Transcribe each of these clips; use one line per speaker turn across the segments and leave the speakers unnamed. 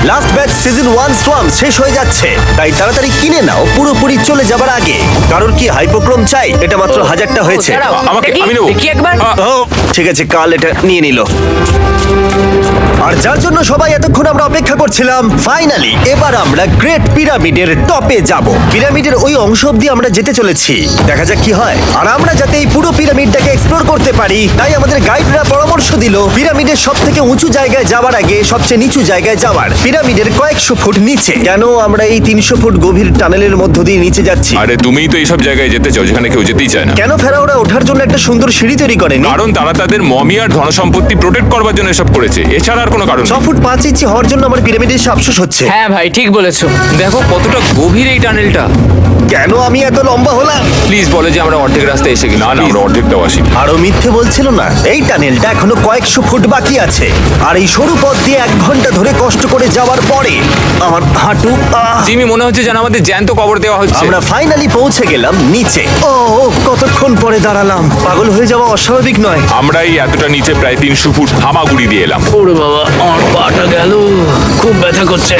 Last batch season 1 swamp শেষ হয়ে যাচ্ছে, তাই তাড়াতাড়ি কিনে নাও পুরোপুরি চলে যাবার আগে। কারণ কি হাইপোক্রোম চাই? এটা মাত্র 1000টা হয়েছে।
দাঁড়াও,
আমি নেবো।
দেখি একবার।
ও ঠিক আছে, কাল এটা নিয়ে নিল। আর যার জন্য সবাই এতক্ষণ আমরা অপেক্ষা করছিলাম, ফাইনালি এবার আমরা গ্রেট পিরামিডের টপে যাব। পিরামিডের ওই অংশ অব্দি আমরা যেতে চলেছি, দেখা যাক কি হয়। আর আমরা যাতে এই পুরো পিরামিডটাকে এক্সপ্লোর করতে পারি, তাই আমাদের গাইডরা পরামর্শ দিল পিরামিডের সব থেকে উঁচু জায়গায় যাওয়ার আগে সবচেয়ে নিচু জায়গায় যাওয়ার। পিরামিডের কয়েকশো ফুট নিচে। কেন আমরা এই 300 ফুট গভীর টানেলের মধ্য দিয়ে নিচে যাচ্ছি?
আরে তুমিই তো এইসব জায়গায় যেতে চাও যেখানে কেউ যেতেই চায় না।
কেন ফেরাওরা ওঠার জন্য একটা সুন্দর সিঁড়ি তৈরি করেনি?
কারণ তারা তাদের মমি আর ধনসম্পত্তি প্রোটেক্ট করবার জন্য এসব করেছে, এছাড়া আর কোনো কারণ
6
নেই।
ফুট 5 ইঞ্চি হওয়ার জন্য আমার পিরামিডের এসে আফসোস হচ্ছে।
হ্যাঁ ভাই, ঠিক বলেছো।
দেখো কতটা গভীর এই টানেলটা।
কেন আমি এত লম্বা হলাম?
প্লিজ বলে যে আমরা অর্ধেক রাস্তায় এসে গেছি।
না না, আমরা অর্ধেকটাও আসিনি।
আরো মিথ্যে বলছিল না। এই টানেলটা এখনো কয়েকশো ফুট বাকি আছে, আর এই সরু পথ দিয়ে 1 ঘন্টা ধরে কষ্ট করে যাওয়ার পরে আমার হাঁটু
জিমি, মনে হচ্ছে যেন আমাদের জ্যান্ত কবর দেওয়া হচ্ছে।
আমরা ফাইনালি পৌঁছে গেলাম নিচে। ও কতক্ষণ পরে দাঁড়ালাম, পাগল হয়ে যাওয়া অস্বাভাবিক নয়।
আমরা এই এতটা নিচে প্রায় 300 ফুট হামাগুড়ি দিয়ে এলাম।
ওরে বাবা, আমার পাটা গেল, খুব ব্যথা করছে।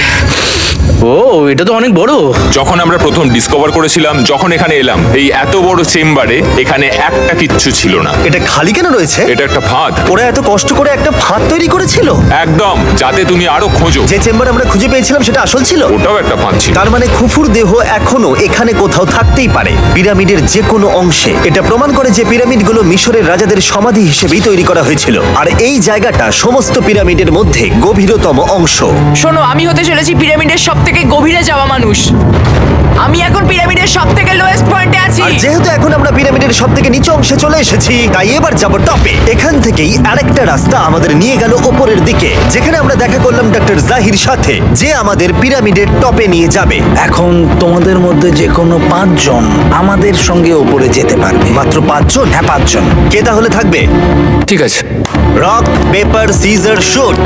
ও, এটা তো অনেক বড়।
যখন আমরা প্রথম ডিসকভার করেছিলাম, যখন এখানে এলাম, এই এত বড় চেম্বারে এখানে একটা কিচ্ছু ছিল না।
এটা খালি কেন রয়েছে?
এটা একটা ফাঁদ।
ওরা এত কষ্ট করে একটা ফাঁদ তৈরি করেছিল
একদম, যাতে তুমি আরো খোঁজো।
যে চেম্বার আমরা খুঁজে পেয়েছিলাম সেটা আসল ছিল।
ওটাও একটা ফাঁদ ছিল।
তার মানে খুফুর দেহ এখনো এখানে কোথাও থাকতেই পারে, পিরামিডের যে কোনো অংশে। এটা প্রমাণ করে যে পিরামিডগুলো মিশরের রাজাদের সমাধি হিসেবেই তৈরি করা হয়েছিল, আর এই জায়গাটা সমস্ত পিরামিডের মধ্যে গভীরতম অংশ।
শোনো, আমি হতে চলেছি পিরামিডের সব থেকে গভীরে যাওয়া মানুষ। আমি এখন পিরামিডের সব থেকে লোয়েস্ট পয়েন্টে আছি।
আর যেহেতু এখন আমরা পিরামিডের সব থেকে নিচু অংশে চলে এসেছি, তাই এবার যাবো টপে। এখান থেকেই আরেকটা রাস্তা আমাদের নিয়ে গেল ওপরের দিকে, যেখানে আমরা দেখা করলাম ডক্টর জাহির সাথে, যে আমাদের পিরামিডের টপে নিয়ে যাবে।
এখন তোমাদের মধ্যে যে কোনো 5 জন আমাদের সঙ্গে ওপরে যেতে পারবে।
মাত্র 5 জন?
হ্যাঁ, 5 জন।
কে তাহলে থাকবে?
ঠিক আছে।
Rock paper scissor shoot.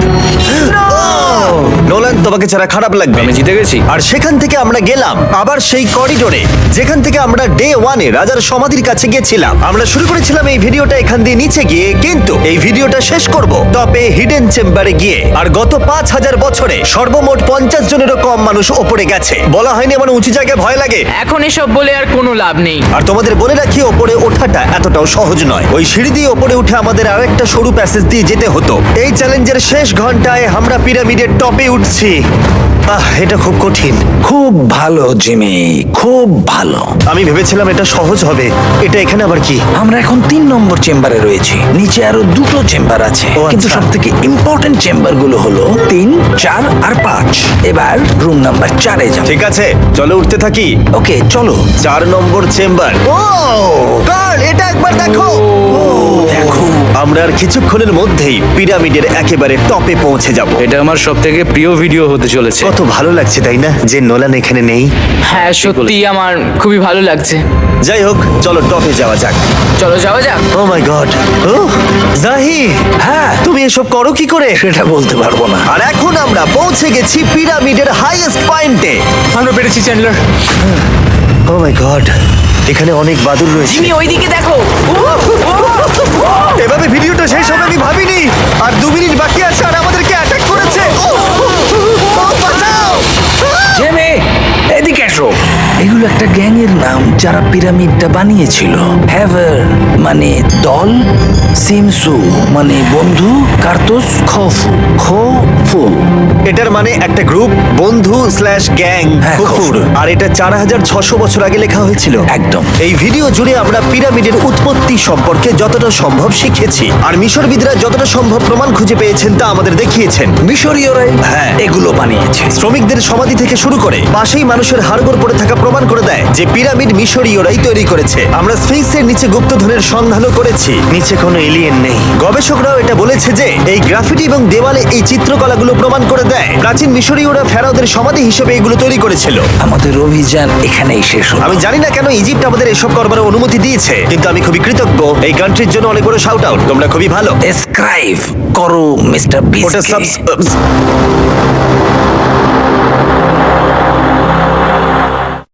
Nolan, তোমাকে ছাড়া খারাপ লাগবে।
আমি জিতে গেছি।
আর সেখান থেকে আমরা গেলাম আবার সেই করিডোরে, যেখান থেকে আমরা ডে 1 এ রাজার সমাধির কাছে গেছিলাম। আমরা শুরু করেছিলাম এই ভিডিওটা এখান দিয়ে নিচে গিয়ে, কিন্তু এই ভিডিওটা শেষ করব টপে হিডেন চেম্বারে গিয়ে। আর গত 5000 বছরে সর্বমোট 50 জনেরও কম মানুষ ওপরে গেছে। বলা হয়নি আমার উঁচু জায়গায় ভয় লাগে।
এখন এসব বলে আর কোনো লাভ নেই।
আর তোমাদের বলে রাখি, ওপরে ওঠাটা এতটাও সহজ নয়। ওই সিঁড়ি দিয়ে ওপরে উঠে আমাদের আরেকটা সরু প্যাসেজ দিয়ে যেতে হতো। এই চ্যালেঞ্জের শেষ ঘন্টায় আমরা পিরামিডের টপে উঠছি। এটা খুব কঠিন।
খুব ভালো জিমি, খুব ভালো।
আমি ভেবেছিলাম এটা সহজ হবে। এটা এখানে আবার কি?
আমরা এখন 3 নম্বর চেম্বারে রয়েছি। নিচে আরো 2টো চেম্বার আছে,
ও,
কিন্তু
আচ্ছা।
সব থেকে ইম্পর্টেন্ট চেম্বার গুলো হলো 3, 4 আর 5। এবার রুম নাম্বার 4 এ যাব।
ঠিক আছে, চলো উঠতে থাকি।
ওকে, চলো।
4 নম্বর চেম্বার। ও কার্ল, এটা একবার দেখো।
দেখো,
আমরা আর কিছুক্ষণের মধ্যেই পিরামিডের একেবারে টপে পৌঁছে যাব।
এটা আমার সব থেকে প্রিয় ভিডিও হতে চলেছে।
কত ভালো লাগছে তাই না, যে নোলান এখানে নেই।
হ্যাঁ, সত্যি আমার খুবই ভালো লাগছে।
যাই হোক, চলো টপে যাওয়া যাক।
চলো যাওয়া যাক।
ও মাই গড। ও জাহি,
হ্যাঁ,
তুমি এসব করো কি করে?
সেটা বলতে পারবো না।
আর এখন আমরা পৌঁছে গেছি পিরামিডের হাইয়েস্ট পয়েন্টে।
আমরা পেরেছি চ্যান্ডলার।
ও মাই গড, এখানে অনেক বাদুড় রয়েছে।
তুমি ওইদিকে দেখো।
এভাবে ভিডিওটা শেষ হবে আমি ভাবিনি। আর 2 মিনিট বাকি আছে, আর আমাদেরকে অ্যাটাক করেছে। বাঁচাও!
জিমি, এদিকে এসো। এগুলো একটা গ্যাংয়ের নাম যারা পিরামিডটা বানিয়েছিল। হ্যাভার মানে দল, সিমসু মানে বন্ধু, কার্তোস খফু খফু।
এটার মানে একটা গ্রুপ, বন্ধু স্ল্যাশ গ্যাং,
হ্যাঁ,
কুকুর। আর এটা 4600 বছর আগে লেখা হয়েছিল।
একদম।
এই ভিডিও জুড়ে আমরা পিরামিডের উৎপত্তি সম্পর্কে যতটা সম্ভব শিখেছি, আর মিশরবিদরা যতটা সম্ভব প্রমাণ খুঁজে পেয়েছেন তা আমাদের দেখিয়েছেন।
মিশরীয়রাই
হ্যাঁ।
এগুলো বানিয়েছে।
শ্রমিকদের সমাধি থেকে শুরু করে পাশেই মানুষের হাড়গোড় পড়ে থাকা প্রমাণ করে দেয় যে পিরামিড মিশরীয়রাই তৈরি করেছে। আমরা স্ফিংসের নিচে গুপ্তধনের সন্ধানও করেছি, নিচে কোনো এলিয়েন নেই। গবেষকরাও এটা বলেছে যে এই গ্রাফিটি এবং দেওয়ালে এই চিত্রকলাগুলো প্রমাণ করে দেয় প্রাচীন মিশরীয়রা ফেরাওদের সমাধি হিসেবে এগুলো তৈরি করেছিল।
আমাদের অভিযান এখানেই শেষ হলো।
আমি জানি না কেন ইজিপ্ট আমাদের এসব করবার অনুমতি দিয়েছে, কিন্তু আমি খুবই কৃতজ্ঞ। এই কান্ট্রির জন্য অনেক বড় শাউট আউট, তোমরা খুবই ভালো।
সাবস্ক্রাইব করো মিস্টার
ওটা
বিস্ট।